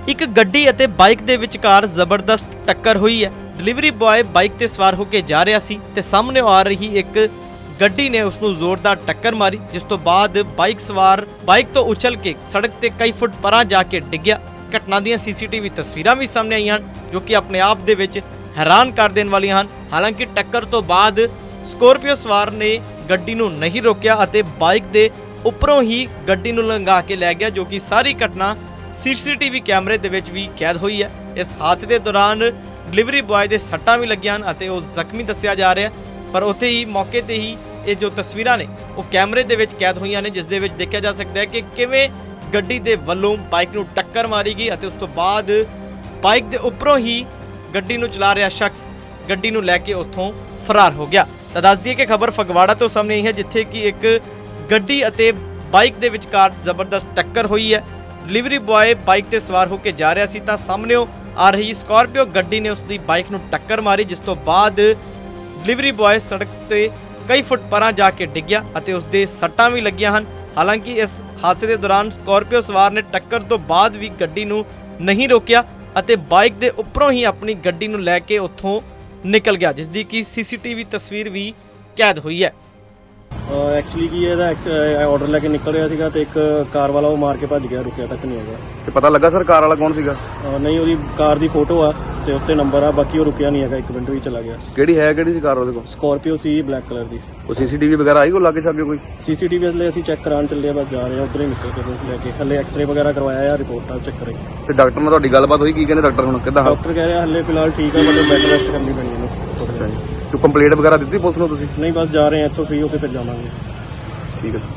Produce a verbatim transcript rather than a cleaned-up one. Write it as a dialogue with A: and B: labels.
A: ਇੱਕ ਗੱਡੀ ਅਤੇ ਬਾਈਕ ਦੇ ਵਿਚਕਾਰ ਜ਼ਬਰਦਸਤ ਟੱਕਰ ਹੋਈ ਹੈ। ਡਿਲੀਵਰੀ ਬॉय ਬਾਈਕ ਤੇ ਸਵਾਰ ਹੋ ਕੇ ਜਾ ਰਿਹਾ ਸੀ ਤੇ ਸਾਹਮਣੇ ਆ ਰਹੀ ਇੱਕ ਗੱਡੀ ਨੇ ਉਸ ਨੂੰ ਜ਼ੋਰਦਾਰ ਟੱਕਰ ਮਾਰੀ, ਜਿਸ ਤੋਂ ਬਾਅਦ ਬਾਈਕ ਸਵਾਰ ਬਾਈਕ ਤੋਂ ਉਛਲ ਕੇ ਸੜਕ ਤੇ ਕਈ ਫੁੱਟ ਪਰਾਂ ਜਾ ਕੇ ਡਿੱਗਿਆ। ਘਟਨਾ ਦੀਆਂ ਸੀਸੀਟੀਵੀ ਤਸਵੀਰਾਂ ਵੀ ਸਾਹਮਣੇ ਆਈਆਂ ਹਨ, ਜੋ ਕਿ ਆਪਣੇ ਆਪ ਦੇ ਵਿੱਚ ਹੈਰਾਨ ਕਰ ਦੇਣ ਵਾਲੀਆਂ ਹਨ। ਹਾਲਾਂਕਿ ਟੱਕਰ ਤੋਂ ਬਾਅਦ ਸਕੋਰਪੀਓ ਸਵਾਰ ਨੇ ਗੱਡੀ ਨੂੰ ਨਹੀਂ ਰੋਕਿਆ ਅਤੇ ਬਾਈਕ ਦੇ ਉੱਪਰੋਂ ਹੀ ਗੱਡੀ ਨੂੰ ਲੰਘਾ ਕੇ ਲੈ ਗਿਆ, ਜੋ ਕਿ ਸਾਰੀ ਘਟਨਾ ਸੀਸੀਟੀਵੀ ਕੈਮਰੇ ਦੇ ਵਿੱਚ ਵੀ ਕੈਦ ਹੋਈ ਹੈ। ਇਸ ਹਾਦਸੇ ਦੇ ਦੌਰਾਨ ਡਿਲੀਵਰੀ ਬॉय ਦੇ ਸੱਟਾਂ ਵੀ ਲੱਗੀਆਂ ਹਨ ਅਤੇ ਉਹ ਜ਼ਖਮੀ ਦੱਸਿਆ ਜਾ ਰਿਹਾ, ਪਰ ਉੱਥੇ ਹੀ ਮੌਕੇ ਤੇ ਹੀ ਇਹ ਜੋ ਤਸਵੀਰਾਂ ਨੇ ਉਹ ਕੈਮਰੇ ਦੇ ਵਿੱਚ ਕੈਦ ਹੋਈਆਂ ਨੇ, ਜਿਸ ਦੇ ਵਿੱਚ ਦੇਖਿਆ ਜਾ ਸਕਦਾ ਹੈ ਕਿ ਕਿਵੇਂ ਗੱਡੀ ਦੇ ਵੱਲੋਂ ਬਾਈਕ ਨੂੰ ਟੱਕਰ ਮਾਰੀ ਗਈ ਅਤੇ ਉਸ ਤੋਂ ਬਾਅਦ ਬਾਈਕ ਦੇ ਉੱਪਰੋਂ ਹੀ ਗੱਡੀ ਨੂੰ ਚਲਾ ਰਿਹਾ ਸ਼ਖਸ ਗੱਡੀ ਨੂੰ ਲੈ ਕੇ ਉੱਥੋਂ ਫਰਾਰ ਹੋ ਗਿਆ। ਤਾਂ ਦੱਸ ਦਈਏ ਕਿ ਖਬਰ ਫਗਵਾੜਾ ਤੋਂ ਸਾਹਮਣੇ ਆਈ ਹੈ, ਜਿੱਥੇ ਕਿ ਇੱਕ ਗੱਡੀ ਅਤੇ ਬਾਈਕ ਦੇ ਵਿਚਕਾਰ ਜ਼ਬਰਦਸਤ ਟੱਕਰ ਹੋਈ ਹੈ। ਡਿਲੀਵਰੀ ਬॉय ਬਾਈਕ ਤੇ ਸਵਾਰ ਹੋ ਕੇ ਜਾ ਰਿਹਾ ਸੀ ਤਾਂ ਸਾਹਮਣੇੋਂ ਆ ਰਹੀ ਸਕਾਰਪੀਓ ਗੱਡੀ ਨੇ ਉਸ ਦੀ ਬਾਈਕ ਨੂੰ ਟੱਕਰ ਮਾਰੀ, ਜਿਸ ਤੋਂ ਬਾਅਦ ਡਿਲੀਵਰੀ ਬॉय ਸੜਕ ਤੇ ਕਈ ਫੁੱਟ ਪਰਾਂ ਜਾ ਕੇ ਡਿੱਗਿਆ ਅਤੇ ਉਸ ਦੇ ਸੱਟਾਂ ਵੀ ਲੱਗੀਆਂ ਹਨ। ਹਾਲਾਂਕਿ ਇਸ ਹਾਦਸੇ ਦੇ ਦੌਰਾਨ ਸਕਾਰਪੀਓ ਸਵਾਰ ਨੇ ਟੱਕਰ ਤੋਂ ਬਾਅਦ ਵੀ ਗੱਡੀ ਨੂੰ ਨਹੀਂ ਰੋਕਿਆ ਅਤੇ ਬਾਈਕ ਦੇ ਉੱਪਰੋਂ ਹੀ ਆਪਣੀ ਗੱਡੀ ਨੂੰ ਲੈ ਕੇ ਉੱਥੋਂ ਨਿਕਲ ਗਿਆ, ਜਿਸ ਦੀ ਕਿ ਸੀਸੀਟੀਵੀ ਤਸਵੀਰ ਵੀ ਕੈਦ ਹੋਈ ਹੈ।
B: ਐਕਚੁਅਲੀ ਕੀ ਇਹਦਾ ਆਰਡਰ ਲੈ ਕੇ ਨਿਕਲ ਰਿਹਾ ਸੀਗਾ ਤੇ ਇੱਕ ਕਾਰ ਵਾਲਾ ਉਹ ਮਾਰ ਕੇ ਭੱਜ ਗਿਆ, ਰੁਕਿਆ ਤੱਕ ਨਹੀਂ ਹੈਗਾ।
C: ਤੇ ਪਤਾ ਲੱਗਾ ਸਰ ਕਾਰ ਵਾਲਾ ਕੌਣ ਸੀਗਾ?
B: ਅਹ ਨਹੀਂ, ਉਹਦੀ ਕਾਰ ਦੀ ਫੋਟੋ ਆ ਤੇ ਉੱਤੇ ਨੰਬਰ ਆ, ਬਾਕੀ ਉਹ ਰੁਕਿਆ ਨਹੀਂ ਹੈਗਾ, ਇੱਕ ਮਿੰਟ ਵੀ ਚਲਾ ਗਿਆ।
C: ਕਿਹੜੀ ਹੈ ਕਿਹੜੀ ਸੀ ਕਾਰ ਉਹਦੇ ਕੋਲ?
B: ਸਕਾਰਪੀਓ ਸੀ ਬਲੈਕ ਕਲਰ ਦੀ।
C: ਉਹ ਸੀਸੀਟੀਵੀ ਵਗੈਰਾ ਆਈ ਕੋ ਲਾਗੇ ਛਾਗੇ ਕੋਈ?
B: ਸੀਸੀਟੀਵੀ ਲਈ ਅਸੀਂ ਚੈੱਕ ਕਰਾਉਣ ਚੱਲੇ ਆ, ਬਸ ਜਾ ਰਹੇ ਆ ਉੱਧਰ ਹੀ ਨਿਕਲ ਕੇ ਬਸ ਲੈ ਕੇ। ਹਲੇ ਐਕਸਰੇ ਵਗੈਰਾ ਕਰਵਾਇਆ ਆ, ਰਿਪੋਰਟਾਂ ਚੈੱਕ ਕਰਾਈ।
C: ਤੇ ਡਾਕਟਰ ਨਾਲ ਤੁਹਾਡੀ ਗੱਲਬਾਤ ਹੋਈ? ਕੀ ਕਹਿੰਦੇ ਡਾਕਟਰ ਹੁਣ ਕਿੱਦਾਂ?
B: ਡਾਕਟਰ ਕਹਿ ਰਿਹਾ ਹਲੇ ਫਿਲਹਾਲ ਠੀਕ ਆ, ਮਤਲਬ ਬੈੱਡ ਰੈਸਟ ਕਰਨੀ ਪੈਣੀ ਇਹਨੂੰ।
C: ਅੱਛਾ ਜੀ। ਤੂੰ ਕੰਪਲੇਂਟ ਵਗੈਰਾ ਦਿੱਤੀ ਪੁਲਿਸ ਨੂੰ ਤੁਸੀਂ?
B: ਨਹੀਂ, ਬਸ ਜਾ ਰਹੇ ਆ ਇੱਥੋਂ ਫ੍ਰੀ ਹੋ ਕੇ ਫਿਰ ਜਾਵਾਂਗੇ।
C: ਠੀਕ ਹੈ।